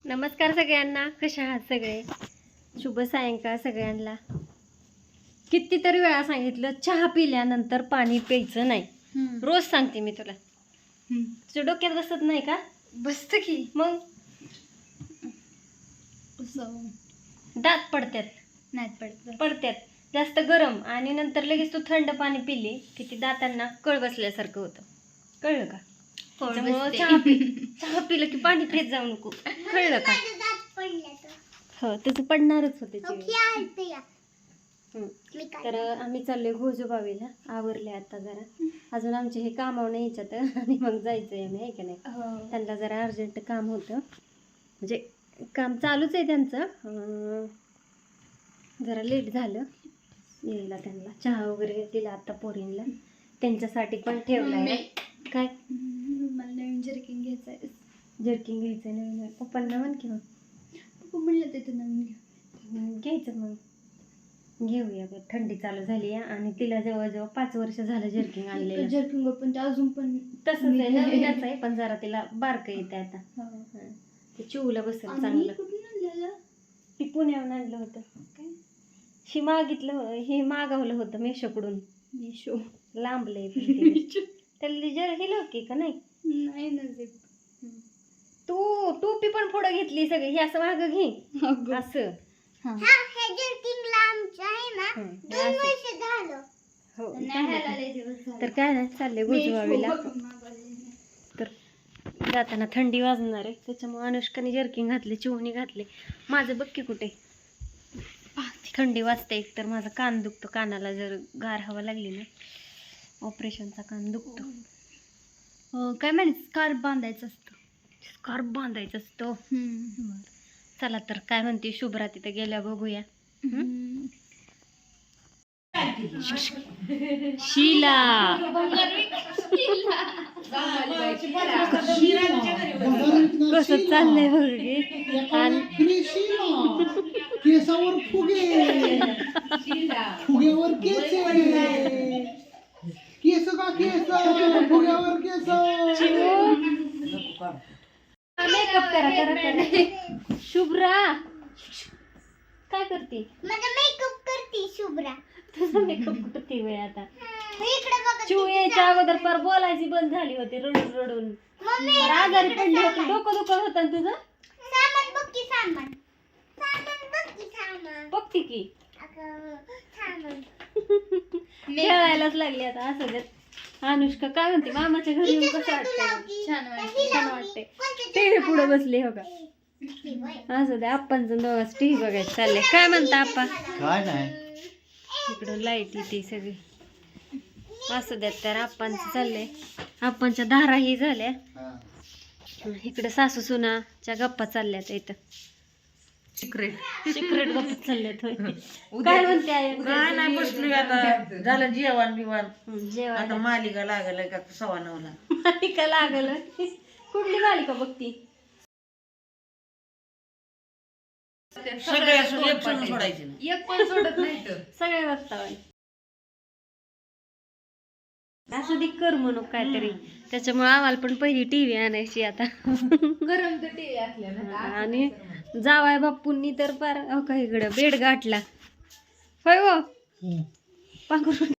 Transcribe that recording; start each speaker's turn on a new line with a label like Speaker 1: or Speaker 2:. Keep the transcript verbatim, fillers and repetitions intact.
Speaker 1: नमस्कार सगळ्यांना, कशा आहात सगळे? शुभ सायंकाळ सगळ्यांना. कितीतरी वेळा सांगितलं चहा पिल्यानंतर पाणी प्यायचं नाही. रोज सांगते मी तुला. तुझ्या डोक्यात बसत नाही का?
Speaker 2: बसत की
Speaker 1: मग दात पडतात.
Speaker 2: नाही पडत
Speaker 1: पडतात जास्त गरम आणि नंतर लगेच तू थंड पाणी पिली की ती दातांना कळ बसल्यासारखं होतं. कळलं का? त्यामुळं चहा पी चहा पिलं की पाणी पित जाऊ नको. कळलं का? हो, तसं पडणारच होते. तर आम्ही चाललोय घोजोबावीला. आवरले आता जरा, अजून आमचे हे कामावर नाही यायच्यात आणि मग जायचंय आम्ही, आहे का नाही? त्यांना जरा अर्जंट काम होतं, म्हणजे काम चालूच आहे त्यांचं. अं, जरा लेट झालं यायला. त्यांना चहा वगैरे दिला आता पोरींला, त्यांच्यासाठी पण ठेवलाय. काय
Speaker 2: मला नवीन जर्किंग घ्यायचं आहे.
Speaker 1: जर्किंग घ्यायचं नवीन? पप्पांना म्हण किंवा
Speaker 2: पप्पा म्हणलं ते नवीन घ्या
Speaker 1: घ्यायचं. मग घेऊया ग, थंडी चालू झाली आहे आणि तिला जवळजवळ पाच वर्ष झालं जर्किंग आणलेलं.
Speaker 2: जर्किंग पण ते अजून पण
Speaker 1: तसंच आहे, नवीनच आहे, पण जरा तिला बारकं येते आता. ते चिवला बसेल चांगलं.
Speaker 2: कुठून आणलेलं?
Speaker 1: ती पुण्याहून आणलं होतं. ही मागितलं, हे मागवलं होतं मेशोकडून.
Speaker 2: मेशो
Speaker 1: लांबलंय त्याला जर हे लोकी का नाही?
Speaker 2: नाही ना जे
Speaker 1: तू टोपी पण पुढं घेतली सगळी. हे असं मागं घे असं. हो, तर काय नाही, चालले घोजवावीला. तर जाताना थंडी वाजणार आहे, त्याच्यामुळे अनुष्काने जर्किंग घातले, चिवणी घातले. माझं बघ की कुठे थंडी वाजते. एक तर माझा कान दुखतो, कानाला जर गार हवा लागली ना ऑपरेशनचा कान दुखतो.
Speaker 2: काय माहिती स्कार्फ बांधायचं असतं.
Speaker 1: स्कार्फ बांधायचं असतो. चला तर काय म्हणते शुभ्रा, तिथं गेल्या बघूया. शीला कसं चाललंय बघ.
Speaker 3: केसावर फुगे, फुग्यावर केस, केस का केस, फुग्यावर केस.
Speaker 1: मेकअप करा करा करा. शुभ्रा काय करते?
Speaker 2: मेकअप करते शुभ्रा.
Speaker 1: तुझा मेकअप करते वेळ आता. चिव यायच्या अगोदर पर बोलायची बंद झाली होती, रडून रडून आजारी पडली होती. डोकं दुखत होतं ना तुझं?
Speaker 2: सामान बघ की सामान. सामान बघ की सामान.
Speaker 1: बघते की
Speaker 2: सामान.
Speaker 1: खेळायलाच लागली आता. असं देत. अनुष्का काय म्हणते, मामाच्या घरी येऊन कसं वाटतंय?
Speaker 2: छान वाटतं.
Speaker 1: छान वाटते. टीव्ही पुढे बसली हो का? असं दे, आप्पांचं दोघांच टीव्ही बघायचं चाललंय. काय म्हणता आप्पा?
Speaker 3: काय नाही,
Speaker 1: इकडं लाईट येते सगळी. असं द्यात. तर आप्पांचं चाललंय, आप्पांच्या धाराही झाल्या. इकडं सासू सुनाच्या गप्पा चालल्यात. इथं सिक्रेट सिक्रेट गप्पा चालल्यात. होय, काय म्हणते आई?
Speaker 4: काय नाही, बसलोय आता. झालं जेवण बिवण.
Speaker 1: जेवण
Speaker 4: आता मालिका लागल का सव्वा नऊला.
Speaker 1: मालिका लागल. कुठली मालिका बघती?
Speaker 4: सगळे असून एक सोडून सोडायचे नाही.
Speaker 2: एक पण सोडत नाही तर.
Speaker 1: सगळे बघता. असं दी कर म्हणू काहीतरी. त्याच्यामुळे आम्हाला पण पहिली टीव्ही आणायची आता.
Speaker 2: गरम तर टीव्ही असल्या ना.
Speaker 1: आणि जावाय बापूंनी तर पार हो का इकडं बेड गाठला. होय हो, पांघरून